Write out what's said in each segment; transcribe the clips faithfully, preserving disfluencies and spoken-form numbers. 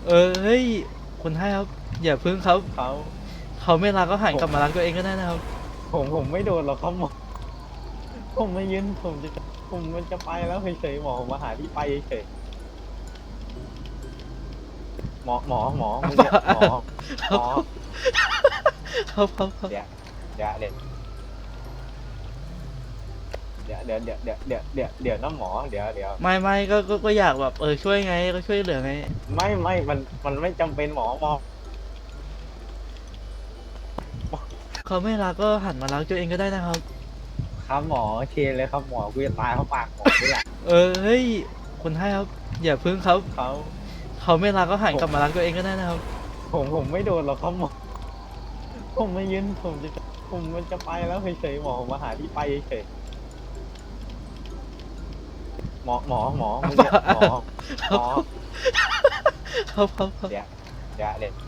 เออเฮ้ยคุณให้ครับอย่าพึ่งครับเขาเขาไม่รักก็หันผมกลับมารักตัวเองก็ได้นะครับผมผมไม่โดนหรอกครับหมอผมไม่ยืนผมจะผมมันจะไปแล้วเฉยๆหมอผมมาหาที่ไปเฉยๆหมอหมอหมอมึงเนี่ยหมอหมอครับครับครับเดี๋ยวเดี๋ยวเดี๋ยวเดี๋ยวเดี๋ยวเดี๋ยวเดี๋ยวเดี๋ยวเดี๋ยวเดี๋ยวนะหมอเดี๋ยวเดี๋ยวไม่ไม่ก็ก็ก็อยากแบบเออช่วยไงก็ช่วยเหลือไงไม่ไม่มันมันไม่จำเป็นหมอหมอเขาไม่รักก็หันมารักตัวเองก็ได้นะครับครับหมอเคเลยครับหมอกูจะตายเพราะปากหมอนี่แหละเออเฮ้ยคุณให้ครับอย่าพึ่งครับเขาเขาไม่รักก็หันผมกลับมารักตัวเองก็ได้นะครับผมผมไม่โดนหรอกครับหมอผมไม่ยืนผมจะผมมันจะไปแล้วเฉยๆหมอผมมาหาที่ไปเฉยๆหมอหมอหมอมึงเนี่ยหมอหมอครับครับครับเดี๋ยวเดี๋ยวเดี๋ยว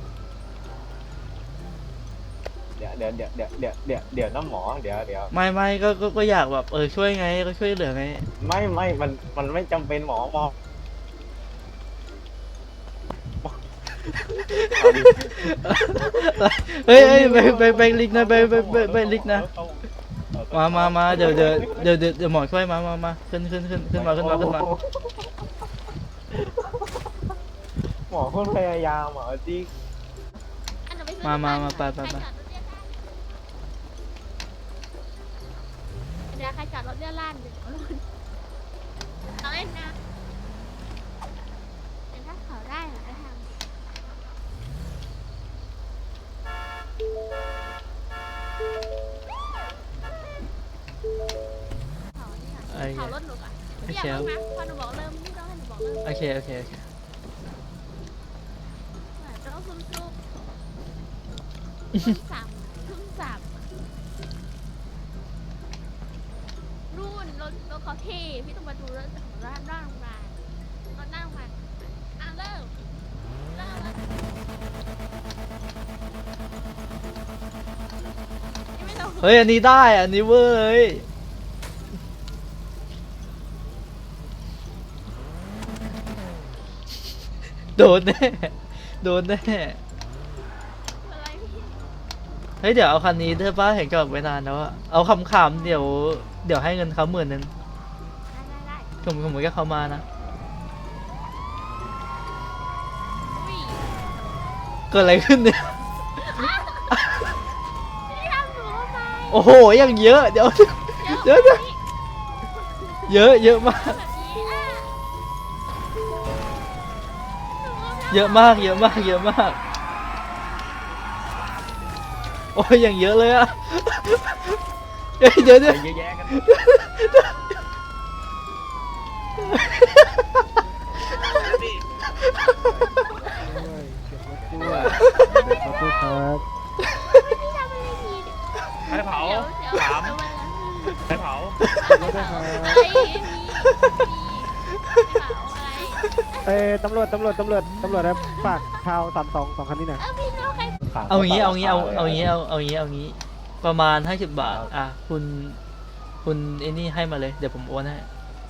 เดี๋ยวเดี๋ยวเดี๋ยวเดี๋ยวเดี๋ยวเดี๋ยวเดี๋ยวนะหมอเดี๋ยวเดี๋ยวไม่ไม่ก็ก็ก็อยากแบบเออช่วยไงก็ช่วยเหลือไงไม่ไม่มันมันไม่จำเป็นหมอหมอเอาดิเฮ้ยเฮ้ยไปไปไปลิกนะไปไปไปไปลิกนะมามามาเดี๋ยวเดี๋ยวเดี๋ยวเดี๋ยวเดี๋ยวหมอช่วยมามามาขึ้นขึ้นขึ้นขึ้นมาขึ้นมาขึ้นมาหมอคนพยายามหมอจริงมามามาไปไปไปเดี๋ยวใครจอดรถเลื่อนล่านเดี๋ยวรถเอาเล่นนะแต่ถ้าเขาได้เหรอทางเขาเนี่ยเขารถหนูอ่ะเรียกรถนะพอหนูบอกเริ่มนี่ต้องให้หนูบอกเริ่มโอเคโอเคโอเคต้องซุ่มซุ่มซุ่มสามซุ่มสามรุ่นรถรถเขาเท่พี่ต้องมาดูรถของร้านร่างมารถนั่งมาอ่ะเริ่มเริ่มแล้วยังไม่ลงเฮ้ยอันนี้ได้อันนี้เวอร์เลยโดนแน่โดนแน่อะไรพี่เฮ้ยเดี๋ยวเอาคันนี้เธอป้าเห็นจอดไว้นานแล้วอะเอาคำขำๆเดี๋ยวเดี๋ยวให้เงินเขาหมื่นหนึ่งได้ได้ได้สมมติสมมติก็เขามานะอุ้ยเกิดอะไรขึ้นเนี่ยพี่ทำหนูทำไมโอ้โหยังเยอะเดี๋ยวเยอะเดี๋ยวแบบนี้เยอะเยอะมากแบบนี้อ่ะหนูทำเยอะมากเยอะมากเยอะมากโอ้ยอย่างเยอะเลยอะเดี๋ยวเดี๋ยวเดี๋ยวไปเยอะแยะกันพี่ทำอะไรผิดใครเผาเดี๋ยวเดี๋ยวถามเดี๋ยววันละใครเผาอะไรมีมีเผาอะไรเอ้ยตำรวจตำรวจตำรวจตำรวจครับฝากชาวสามสองสองคันนี้หน่อยเออพี่น้องใครเอางี้เอางี้เอาเอางี้เอาเอางี้เอางี้ประมาณห้าสิบบาทอ่ะคุณคุณไอ้นี่ให้มาเลยเดี๋ยวผมโอนให้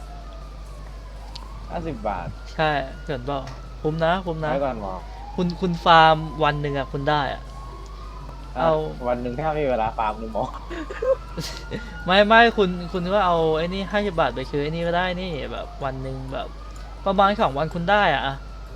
ห้าสิบบาทใช่เกินเปล่าคุ้มนะคุ้มนะไว้ก่อนหมอคุณคุณฟาร์มวันหนึ่งอ่ะคุณได้อ่ะ เอาวันหนึ่งแค่ไม่มีเวลาฟาร์มเลยหมอไม่ไม่คุณคุณก็เอาไอ้นี่ห้าสิบบาทไปซื้อไอ้นี่ก็ได้นี่แบบวันหนึ่งแบบประมาณสองวันคุณได้อ่ะ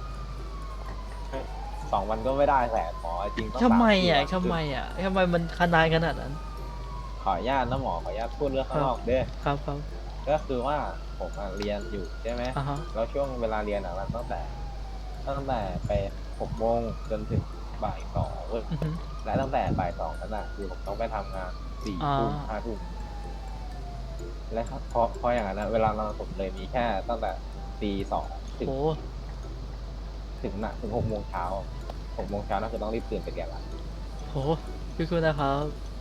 สองวันก็ไม่ได้แสนหมอจริงต้องทำไมสาอ่ะสี่วันทำไมอ่ะทำไมมันขนาดขนาดนั้นขออนุญาตนะหมอขออนุญาตพูดเรื่องข้างนอกเด้อครับครับก็คือว่าผมอะเรียนอยู่ใช่ไหมอ่าฮะแล้วช่วงเวลาเรียนอะมันตั้งแต่ตั้งแต่ไปหกโมงจนถึงบ่ายสองเว้ยอือฮึและตั้งแต่บ่ายสองนั้นอะคือผมต้องไปทำงานสี่อ่าทุ่มห้าทุ่มและพอพออย่างนั้นอะเวลานอนผมเลยมีแค่ตั้งแต่ตีสองถึงโอ้ถึงน่ะถึงหกโมงเช้าหกโมงเช้านั่นคือต้องรีบตื่นไปเรียนละโหพี่คุณนะครับ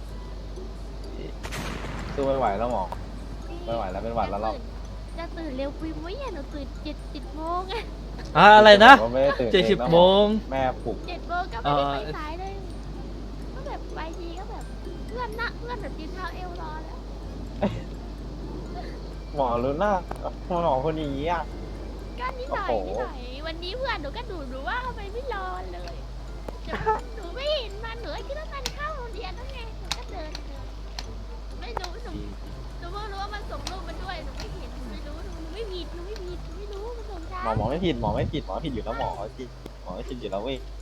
สู้ไม่ไหวแล้วหมอไม่ไหวแล้วเป็นหวัดแล้วเราจะตื่นเร็วปุยมุ้ยอ่ะหนูตื่นเจ็ดเจ็ดโมงอ่ะอ่าอะไรนะผมไม่ได้ตื่นเจ็ดสิบองนะโมงแม่ปลุกเจ็ดโมงก็ไม่ได้ไปสายเลยก็แบบไปทีก็แบบเพื่อนนะเพื่อนแบบกินข้าวเอวรอแล้วหมอรู้หน้าหมอคนนี้อ่ะก็นิดหน่อยโอ้โหนิดหน่อยวันนี้เพื่อนหนูก็ดูหนูว่าทำไมไม่รอเลยเดี๋ยวหนูไม่เห็นมันหนูก็คิดว่ามันเข้าโรงเรียนแล้วไงหนูก็เดินเดินไม่รู้หนูหนูเพิ่งรู้ว่ามันส่งรูปมาด้วยหนูไม่เห็นหนูไม่รู้หนูหนูไม่ผิดหนูไม่ผิดหนูไม่รู้มันส่งช้าหมอหมอไม่ผิดหมอไม่ผิดหมอผิดอยู่แล้วหมอผิดหมอไม่ผิดอยู่แล้วเว้ย